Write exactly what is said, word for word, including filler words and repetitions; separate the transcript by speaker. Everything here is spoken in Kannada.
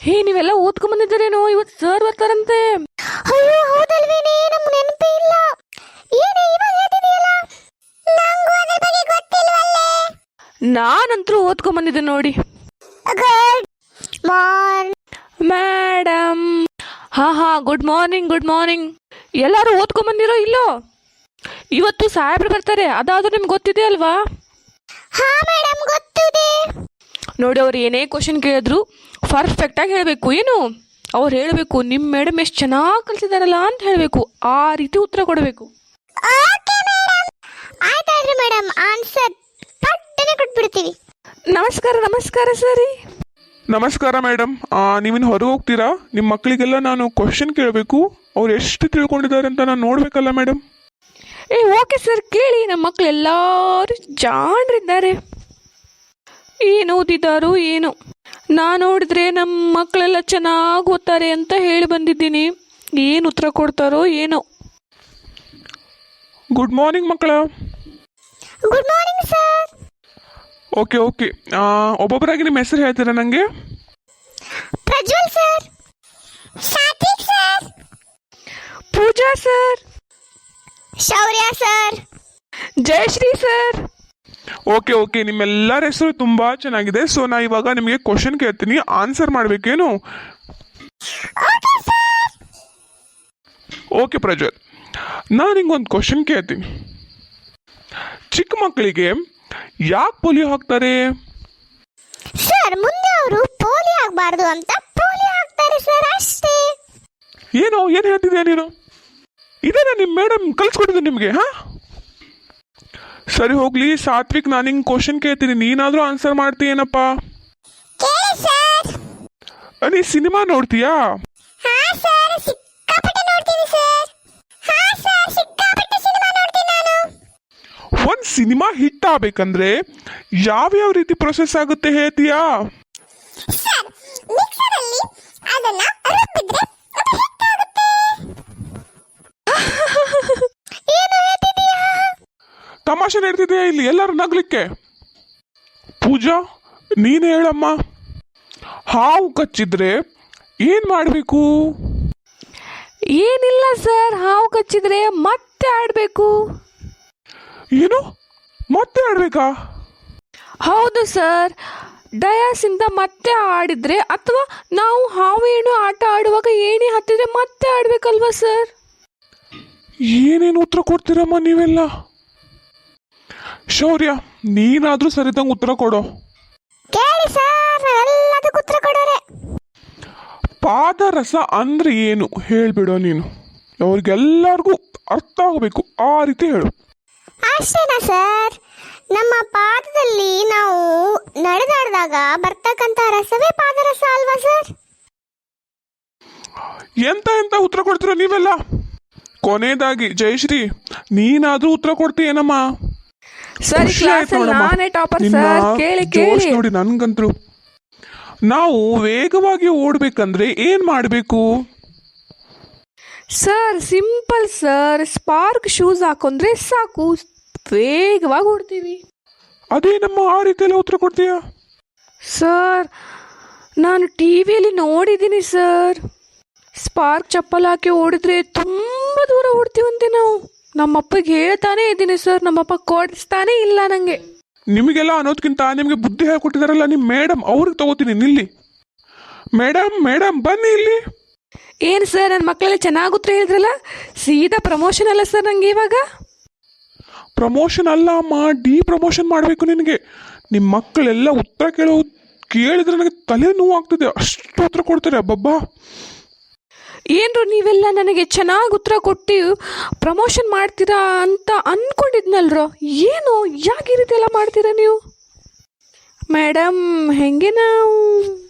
Speaker 1: ಹೇ ನೀವೆಲ್ಲ ಓದ್ಕೊಂಡ್ ಬಂದಿದ್ದೀರೇನೋ, ಇವತ್ತು ಸರ್ ಬರ್ತಾರಂತೆ.
Speaker 2: ಅಯ್ಯೋ ಹೌದಲ್ವೇನೆ, ನಮ್ಗೆ ನೆನಪೇ ಇಲ್ಲ. ಏನೇ ಇವಾಗ ಹೇಳ್ತಿದೀಯಲ್ಲ, ನಂಗೂ ಅದ್ರ ಬಗ್ಗೆ ಗೊತ್ತಿಲ್ವಲ್ಲೇ.
Speaker 1: ನಾನಂತರೂ ಓದ್ಕೊಂಡ್ ಬಂದಿದ್ದೆ ನೋಡಿ.
Speaker 2: Good morning
Speaker 1: madam. ಹಾ ಹಾ ಗುಡ್ ಮಾರ್ನಿಂಗ್ ಗುಡ್ ಮಾರ್ನಿಂಗ್. ಎಲ್ಲರೂ ಓದ್ಕೊಂಡ್ ಬಂದಿರೋ ಇಲ್ಲೋ? ಇವತ್ತು ಸಾಹೇಬ್ರು ಬರ್ತಾರೆ, ಅದಾದ್ರೂ ನಿಮ್ಗೆ ಗೊತ್ತಿದೆ ಅಲ್ವಾ?
Speaker 2: ಹಾ ಮೇಡಮ್ ಗೊತ್ತಿದೆ.
Speaker 1: ನೋಡಿ, ಅವ್ರು ಏನೇ ಕ್ವಶನ್ ಕೇಳಿದ್ರು ಪರ್ಫೆಕ್ಟಾಗಿ ಹೇಳಬೇಕು. ಏನು ಅವ್ರು ಹೇಳಬೇಕು, ನಿಮ್ಮ ಮೇಡಮ್ ಎಷ್ಟು ಚೆನ್ನಾಗಿ ಕಲಿಸಿದಾರಲ್ಲ ಅಂತ ಹೇಳಬೇಕು. ಆ ರೀತಿ ಉತ್ತರ ಕೊಡಬೇಕು.
Speaker 2: Okay madam. ಆಯ್ತಾಯ್ತು ಮೇಡಮ್, ಆನ್ಸರ್ ಪಟ್ಟನೆ ಕೊಟ್ಬಿಡ್ತೀವಿ.
Speaker 1: ನಮಸ್ಕಾರ ನಮಸ್ಕಾರ ಸರಿ.
Speaker 3: ನಮಸ್ಕಾರ ಮೇಡಮ್. ನೀವಿನ್ನು ಹೊರಗೆ ಹೋಗ್ತೀರಾ? ನಿಮ್ಮ ಮಕ್ಕಳಿಗೆಲ್ಲ ನಾನು ಕ್ವಶನ್ ಕೇಳಬೇಕು, ಅವ್ರು ಎಷ್ಟು ತಿಳ್ಕೊಂಡಿದ್ದಾರೆ ಅಂತ ನಾನು ನೋಡಬೇಕಲ್ಲ ಮೇಡಮ್.
Speaker 1: ಏ ಓಕೆ ಸರ್, ಕೇಳಿ. ನಮ್ಮ ಮಕ್ಕಳು ಎಲ್ಲರೂ ಜಾಣರಿದ್ದಾರೆ. ಏನು ಓದಿದ್ದಾರೋ ಏನು, ನಾನು ನೋಡಿದ್ರೆ ನಮ್ಮ ಮಕ್ಕಳೆಲ್ಲ ಚೆನ್ನಾಗಿ ಓದ್ತಾರೆ ಅಂತ ಹೇಳಿ ಬಂದಿದ್ದೀನಿ. ಏನು ಉತ್ತರ ಕೊಡ್ತಾರೋ ಏನೋ.
Speaker 3: ಗುಡ್ ಮಾರ್ನಿಂಗ್ ಮಕ್ಕಳ.
Speaker 2: Good morning sir.
Speaker 3: Okay okay ಒಬ್ಬೊಬ್ಬರಾಗಿ ನಿಮ್ಮ ಹೆಸರು ಹೇಳ್ತೀರಾ ನನಗೆ?
Speaker 2: Prajwal sir. Satvik sir.
Speaker 1: Pooja sir.
Speaker 2: Shaurya sir.
Speaker 1: Jayashree sir.
Speaker 3: Okay okay ನಿಮ್ಮೆಲ್ಲರ ಹೆಸರು ತುಂಬ ಚೆನ್ನಾಗಿದೆ. ಸೊ ನಾ ಇವಾಗ ನಿಮಗೆ ಕ್ವಶನ್ ಕೇಳ್ತೀನಿ, ಆನ್ಸರ್ ಮಾಡಬೇಕೇನು? ಓಕೆ ಪ್ರಜ್ವಲ್, ನಾನು ಹಿಂಗೊಂದು ಕ್ವಶನ್ ಕೇಳ್ತೀನಿ. ಚಿಕ್ಕ ಮಕ್ಕಳಿಗೆ ಯಾಕೆ ಪೋಲಿಯೋ ಹಾಕ್ತಾರೆ?
Speaker 2: ಸರ್ ಮುಂದೆ ಅವರು ಪೋಲಿಯೋ ಆಗಬಾರ್ದು ಅಂತ ಪೋಲಿಯೋ ಹಾಕ್ತಾರೆ ಸರ್, ಅಷ್ಟೇ.
Speaker 3: ಏನೋ ಏನು ಹೇಳ್ತಿದ್ಯಾ ನೀನು? ಇದೇನಾ ನಿಮ್ಮ ಮೇಡಮ್ ಕಲಿಸ್ಕೊಟ್ಟಿದ್ದು ನಿಮಗೆ? ಹಾ ಸರಿ ಹೋಗ್ಲಿ. ಸಾತ್ವಿಕ್, ನಾನು ಹಿಂಗೆ ಕ್ವಶನ್ ಕೇಳ್ತೀನಿ, ನೀನಾದರೂ ಆನ್ಸರ್ ಮಾಡ್ತೀಯೇನಪ್ಪ?
Speaker 2: ಕೇಳಿ ಸರ್.
Speaker 3: ನೀ ಸಿನಿಮಾ ನೋಡ್ತೀಯಾ?
Speaker 2: ಹಾ ಸರ್, ಸಿಕ್ಕಾಪಟ್ಟೆ ನೋಡ್ತೀನಿ ಸರ್. ಹಾ ಸರ್, ಸಿಕ್ಕಾಪಟ್ಟೆ ಸಿನಿಮಾ ನೋಡ್ತೀನಿ ನಾನು.
Speaker 3: ಒಂದು ಸಿನಿಮಾ ಹಿಟ್ ಆಗಬೇಕಂದ್ರೆ ಯಾವ್ಯಾವ ರೀತಿ ಪ್ರೊಸೆಸ್ ಆಗುತ್ತೆ ಹೇಳ್ತೀಯಾ?
Speaker 2: ಸರ್, ಮಿಕ್ಸರ್ ಅಲ್ಲಿ ಅದನ್ನ ರುಬ್ಬಿದ್ರೆ ಅದು ಹಿಟ್ ಆಗುತ್ತೆ. ಏನು ಹೇಳ್ತಿದೀಯಾ?
Speaker 3: ತಮಾಷೆ ನಡ್ತಿದೆಯಾ ಇಲ್ಲಿ ಎಲ್ಲರೂ ನಗ್ಲಿಕ್ಕೆ? ಪೂಜಾ ನೀನು ಹೇಳಮ್ಮ, ಹಾವು ಕಚ್ಚಿದ್ರೆ ಏನ್ ಮಾಡಬೇಕು?
Speaker 1: ಏನಿಲ್ಲ ಸರ್, ಹಾವು ಕಚ್ಚಿದ್ರೆ ಮತ್ತೆ ಆಡಬೇಕು.
Speaker 3: ಏನು ಮತ್ತೆ ಆಡ್ಬೇಕಾ?
Speaker 1: ಹೌದು ಸರ್, ಡಯಾಸಿಂದ ಮತ್ತೆ ಆಡಿದ್ರೆ ಅಥವಾ ನಾವು ಹಾವು ಏಣು ಆಟ ಆಡುವಾಗ ಏಣಿ ಹತ್ತಿದ್ರೆ ಮತ್ತೆ ಆಡ್ಬೇಕಲ್ವಾ ಸರ್?
Speaker 3: ಏನೇನು ಉತ್ತರ ಕೊಡ್ತೀರಮ್ಮ ನೀವೆಲ್ಲ? ಶೌರ್ಯ, ನೀನಾದ್ರೂ ಸರಿದಂಗೆ ಉತ್ತರ ಕೊಡೋ.
Speaker 2: ಕೇಳಿ ಸರ್, ಎಲ್ಲದಕ್ಕೂ ಉತ್ತರ ಕೊಡೋರೆ.
Speaker 3: ಪಾದರಸ ಅಂದ್ರೆ ಏನು ಹೇಳ್ಬಿಡೋ ನೀನು, ಅವ್ರಿಗೆಲ್ಲರಿಗೂ ಅರ್ಥ ಆಗಬೇಕು, ಆ ರೀತಿ ಹೇಳು.
Speaker 2: ಅಷ್ಟೇನಾ ಸರ್? ನಮ್ಮ ಪಾದದಲ್ಲಿ ನಾವು ನಡೆದಾಡಿದಾಗ ಬರ್ತಕ್ಕಂಥ ರಸವೇ ಪಾದರಸ ಅಲ್ವಾ ಸರ್?
Speaker 3: ಎಂತ ಎಂತ ಉತ್ತರ ಕೊಡ್ತೀರ ನೀವೆಲ್ಲ? ಕೊನೆಯದಾಗಿ ಜಯಶ್ರೀ, ನೀನಾದ್ರೂ ಉತ್ತರ ಕೊಡ್ತೀಯೇನಮ್ಮ?
Speaker 1: ಸರಿ, ಕ್ಲಾಸಲ್ಲಿ ನಾನೇ ಟಾಪರ್ ಸರ್. ಕೇಳಿ ಕೇಳಿ.
Speaker 3: ನೋಡಿ, ನನ್ಗಂತೂ ನಾವು ವೇಗವಾಗಿ ಓಡ್ಬೇಕಂದ್ರೆ ಏನ್ ಮಾಡಬೇಕು?
Speaker 1: Sir simple sir, spark shoes ಹಾಕೊಂಡ್ರೆ ಸಾಕು, ವೇಗವಾಗಿ ಓಡ್ತೀವಿ.
Speaker 3: ಅದೇನಮ್ಮ ಆ ರೀತಿಯೆಲ್ಲ ಉತ್ತರ ಕೊಡ್ತೀಯಾ?
Speaker 1: ಸರ್ ನಾನು ಟಿ ವಿಯಲ್ಲಿ ನೋಡಿದ್ದೀನಿ ಸರ್, ಸ್ಪಾರ್ಕ್ ಚಪ್ಪಲ್ ಹಾಕಿ ಓಡಿದ್ರೆ ತುಂಬ ದೂರ ಓಡ್ತೀವಂತೆ ನಾವು. ನಮ್ಮಪ್ಪಗೆ ಹೇಳ್ತಾನೆ ಇದ್ದೀನಿ ಸರ್, ನಮ್ಮಪ್ಪ ಕೊಡಿಸ್ತಾನೆ ಇಲ್ಲ ನನಗೆ.
Speaker 3: ನಿಮಗೆಲ್ಲ ಅನ್ನೋದಕ್ಕಿಂತ ನಿಮಗೆ ಬುದ್ಧಿ ಹೇಳ್ಕೊಟ್ಟಿದಾರಲ್ಲ ನಿಮ್ಮ ಮೇಡಮ್, ಅವ್ರಿಗೆ ತಗೋತೀನಿ ನಿಲ್ಲಿ. ಮೇಡಮ್ ಮೇಡಮ್ ಬನ್ನಿ ಇಲ್ಲಿ.
Speaker 1: ಏನು ಸರ್, ನನ್ನ ಮಕ್ಕಳೆಲ್ಲ ಚೆನ್ನಾಗಿ ಉತ್ತರ ಹೇಳಿದ್ರಲ್ಲ, ಸೀದಾ ಪ್ರಮೋಷನ್ ಅಲ್ಲ ಸರ್ ನನಗೆ ಇವಾಗ?
Speaker 3: ಪ್ರಮೋಷನ್ ಅಲ್ಲ ಅಮ್ಮ, ಡಿ ಪ್ರಮೋಷನ್ ಮಾಡಬೇಕು ನಿನಗೆ. ನಿಮ್ಮ ಮಕ್ಕಳೆಲ್ಲ ಉತ್ತರ ಕೇಳೋ ಕೇಳಿದ್ರೆ ನನಗೆ ತಲೆ ನೋವು ಆಗ್ತದೆ, ಅಷ್ಟು ಉತ್ತರ ಕೊಡ್ತಾರೆ. ಅಬ್ಬಬ್ಬಾ,
Speaker 1: ಏನ್ರು ನೀವೆಲ್ಲ ನನಗೆ ಚೆನ್ನಾಗಿ ಉತ್ತರ ಕೊಟ್ಟು ಪ್ರಮೋಷನ್ ಮಾಡ್ತೀರಾ ಅಂತ ಅಂದ್ಕೊಂಡಿದ್ನಲ್ರೋ, ಏನು ಯಾಕೆ ಈ ರೀತಿ ಎಲ್ಲ ಮಾಡ್ತೀರಾ ನೀವು? ಮೇಡಮ್ ಹೆಂಗೆ ನಾವು